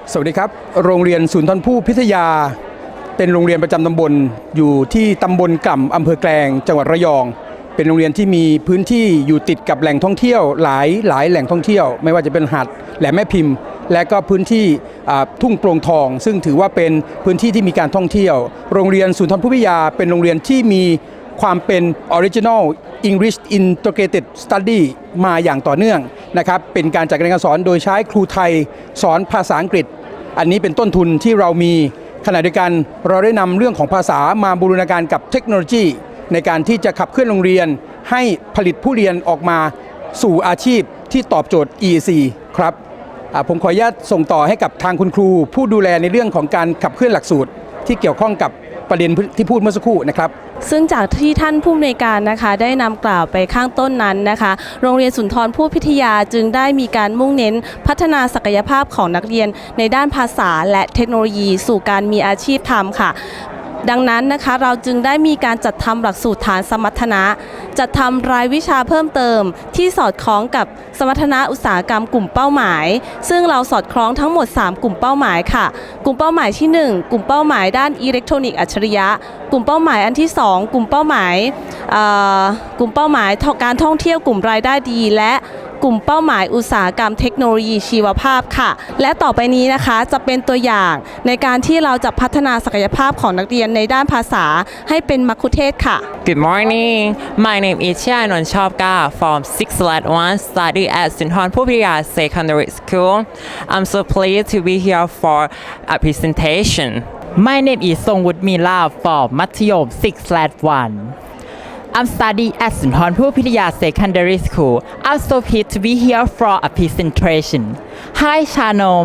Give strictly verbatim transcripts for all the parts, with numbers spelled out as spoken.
สวัสดีครับโรงเรียนศูนย์ทอนผู้พิทยาเป็นโรงเรียนประจำตำบลอยู่ที่ตำบลกล่ำอำเภอแกลงจังหวัดระยองเป็นโรงเรียนที่มีพื้นที่อยู่ติดกับแหล่งท่องเที่ยวหลายหลายแหล่งท่องเที่ยวไม่ว่าจะเป็นหาดแหลมแม่พิมพ์และก็พื้นที่ทุ่งโปร่งทองซึ่งถือว่าเป็นพื้นที่ที่มีการท่องเที่ยวโรงเรียนศูนย์ทอนผู้พิทยาเป็นโรงเรียนที่มีความเป็น Original English Integrated Study มาอย่างต่อเนื่องนะครับเป็นการจัดการเรียนการสอนโดยใช้ครูไทยสอนภาษาอังกฤษอันนี้เป็นต้นทุนที่เรามีขณะเดียวกันเราได้นำเรื่องของภาษามาบูรณาการกับเทคโนโลยีในการที่จะขับเคลื่อนโรงเรียนให้ผลิตผู้เรียนออกมาสู่อาชีพที่ตอบโจทย์ อี ซี ครับผมขออนุญาตส่งต่อให้กับทางคุณครูผู้ดูแลในเรื่องของการขับเคลื่อนหลักสูตรที่เกี่ยวข้องกับประเด็นที่พูดเมื่อสักครู่นะครับซึ่งจากที่ท่านผู้อำนวยการนะคะได้นำกล่าวไปข้างต้นนั้นนะคะโรงเรียนสุนทรภู่พิทยาจึงได้มีการมุ่งเน้นพัฒนาศักยภาพของนักเรียนในด้านภาษาและเทคโนโลยีสู่การมีอาชีพทำค่ะดังนั้นนะคะเราจึงได้มีการจัดทำหลักสูตรฐานสมรรถนะจัดทำรายวิชาเพิ่มเติมที่สอดคล้องกับสมรรถนะอุตสาหกรรมกลุ่มเป้าหมายซึ่งเราสอดคล้องทั้งหมดสามกลุ่มเป้าหมายค่ะกลุ่มเป้าหมายที่หนึ่งกลุ่มเป้าหมายด้านอิเล็กทรอนิกส์อัจฉริยะกลุ่มเป้าหมายอันที่สองกลุ่มเป้าหมายกลุ่มเป้าหมายการท่องเที่ยวกลุ่มรายได้ดีและกลุ่มเป้าหมายอุตสาหกรรมเทคโนโลยีชีวภาพค่ะและต่อไปนี้นะคะจะเป็นตัวอย่างในการที่เราจะพัฒนาศักยภาพของนักเรียนในด้านภาษาให้เป็นมัคคุเทศก์ค่ะ Good morning. My name is Chianon Chopka from six slash one study at Sunthornpu Phithiya Secondary School. I'm so pleased to be here for a presentation. My name is Songwood Mila from มัธยม six slash one. I'm studying at Sunthornpu Phithiya Secondary School. I'm so pleased to be here for a presentation. Hi, Chanom.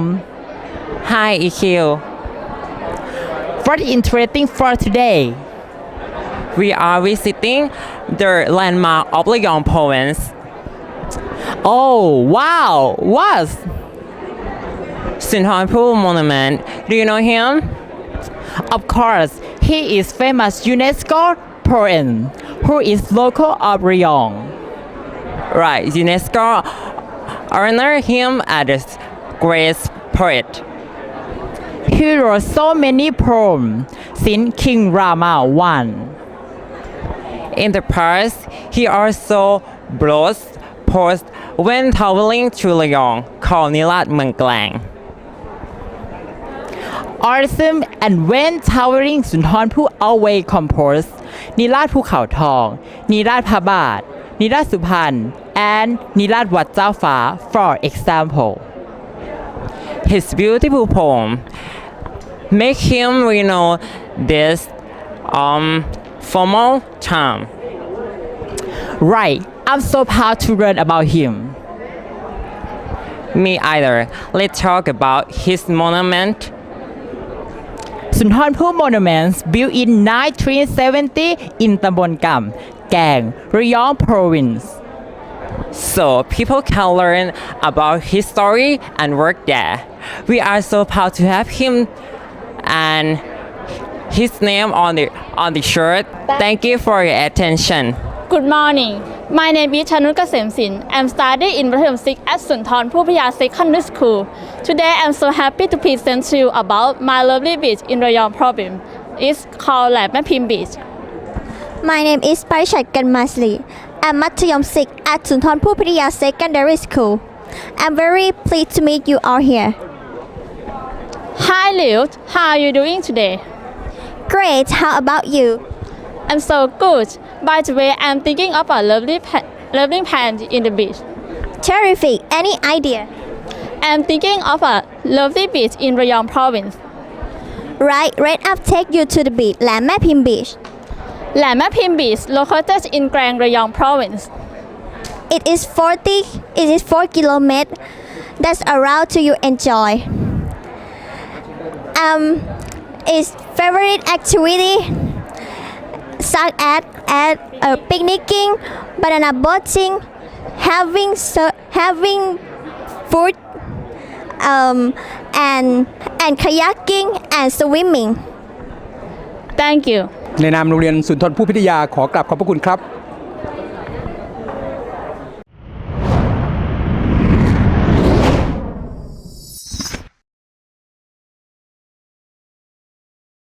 Hi, E Q. What is interesting for today? We are visiting the landmark of Rayong province. Oh, wow! What? Sunthornpu Monument. Do you know him? Of course, he is famous UNESCO poet who is local of Rayong. Right, UNESCO honored him as great poet. He wrote so many poems since King Rama one. In the past, he also brought poems when traveling to Rayong called Nilat Meung Klang. Awesome, and when traveling Sunthornpu always composed นิราศภูเขาทองนิราศพระบาทนิราศสุพรรณ and นิราศวัดเจ้าฟ้า for example. His beautiful poem make him you know this um formal charm. Right, I'm so proud to learn about him. Me either. Let's talk about his monument. Sunthornpu Monuments built in nineteen seventy in ตำบลกำแกง Rayong Province. So people can learn about his story and work there. We are so proud to have him and his name on the on the shirt. Thank you for your attention. Good morning. My name is Chanut Kasemsin. I'm studying in Mathayom six at Sunthornpu Phithiya Secondary School. Today I'm so happy to present to you about my lovely beach in Rayong province. It's called Lam Mae Phim Beach. My name is Parichat Ganmasli. I'm Mathayom six at Sunthornpu Phithiya Secondary School. I'm very pleased to meet you all here. Hi Liu, how are you doing today? Great, how about you? I'm so good. By the way, I'm thinking of a lovely, pa- lovely plant in the beach. Terrific, any idea? I'm thinking of a lovely beach in Rayong province. Right, right up take you to the beach, Lam Mae Phim Beach. Lam Mae Phim Beach located in Klang Rayong province. It is forty, it is four kilometers. That's around to you enjoy. Um, its favorite activity such as at uh, picnicking, banana boating, having sur- having food, um, and and kayaking and swimming. Thank you. ในนามโรงเรียนสุนทรภู่พิทยาขอกราบขอบพระคุณครับ